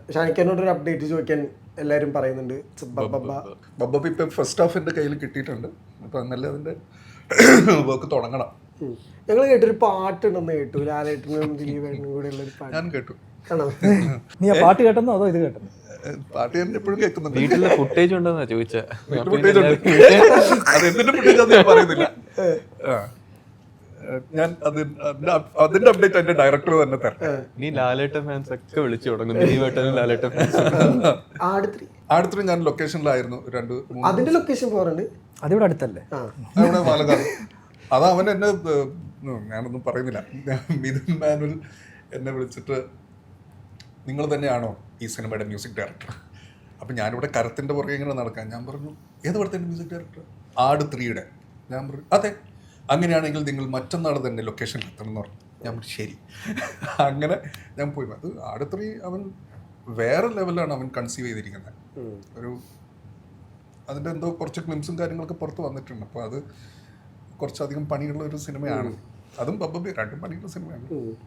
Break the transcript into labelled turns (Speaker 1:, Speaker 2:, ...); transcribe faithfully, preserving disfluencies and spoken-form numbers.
Speaker 1: ഷാനിക്കാനോട് ഒരു അപ്ഡേറ്റ് ചോദിക്കാൻ എല്ലാവരും പറയുന്നുണ്ട്.
Speaker 2: ബബ്ബ ഇപ്പം ഫസ്റ്റ് ഹാഫ് എൻ്റെ കയ്യിൽ കിട്ടിയിട്ടുണ്ട്. അപ്പം എന്നാലും അതിൻ്റെ വർക്ക് തുടങ്ങണം.
Speaker 1: ഞങ്ങൾ കേട്ടൊരു പാട്ടുണ്ടെന്ന് കേട്ടു, ലാലേട്ടനും ദിലീപേട്ടനും കൂടെ ഉള്ളൊരു പാട്ട്.
Speaker 2: ഞാൻ കേട്ടു.
Speaker 1: ആണോ?
Speaker 3: നീ ആ പാട്ട് കേട്ടെന്നോ അതോ ഇത് കേട്ടോ?
Speaker 2: പാട്ട് ഞാൻ എപ്പോഴും കേൾക്കുന്നുണ്ട്.
Speaker 4: വീട്ടിലെ ഫുട്ടേജ് ഉണ്ടെന്നാ ചോദിച്ചാ.
Speaker 2: ഫുട്ടേജ് ഉണ്ട്. അത് എന്തിന്റെ ഫുട്ടേജ് അത് ഞാൻ പറയുന്നില്ല. ഞാൻ അതിന്റെ അപ്ഡേറ്റ് എന്റെ ഡയറക്ടർ തന്നെ തരാം.
Speaker 4: നീ ലാലേട്ടൻ ഫാൻസ് ഒക്കെ വിളിച്ചു തുടങ്ങും. ദിലീപേട്ടനും ലാലേട്ടൻ ഫാൻസ്.
Speaker 2: ആടുത്രി ഞാൻ ലൊക്കേഷനിലായിരുന്നു രണ്ട് മൂന്ന്.
Speaker 1: അതിന്റെ ലൊക്കേഷൻ പോറുണ്ട്.
Speaker 3: അതിവിടെ അടുത്തല്ലേ?
Speaker 2: അവിടെ പാലക്കാട്. അത് അവൻ എന്നെ ഞാനൊന്നും പറയുന്നില്ല. മിഥുൻ മാനുവൽ എന്നെ വിളിച്ചിട്ട് നിങ്ങൾ തന്നെയാണോ ഈ സിനിമയുടെ മ്യൂസിക് ഡയറക്ടർ? അപ്പം ഞാനിവിടെ കരത്തിൻ്റെ പുറകെ ഇങ്ങനെ നടക്കാൻ. ഞാൻ പറഞ്ഞു ഏത് പടത്തിൻ്റെ മ്യൂസിക് ഡയറക്ടർ? ആട് ത്രീയുടെ. ഞാൻ പറഞ്ഞു അതെ, അങ്ങനെയാണെങ്കിൽ നിങ്ങൾ മറ്റന്നാൾ തന്നെ ലൊക്കേഷനിൽ എത്തണം എന്ന് പറഞ്ഞു. ഞാൻ പറഞ്ഞു ശരി. അങ്ങനെ ഞാൻ പോയി. അത് ആട് ത്രീ അവൻ വേറെ ലെവലാണ് അവൻ കൺസീവ് ചെയ്തിരിക്കുന്നത്. ഒരു അതിൻ്റെ എന്തോ കുറച്ച് ക്ലിംസും കാര്യങ്ങളൊക്കെ പുറത്ത് വന്നിട്ടുണ്ട്. അപ്പോൾ അത് കുറച്ചധികം പണിയുള്ള ഒരു സിനിമയാണ്. അതും ബബ്ബ രണ്ടും പണിയുള്ള സിനിമയാണ്.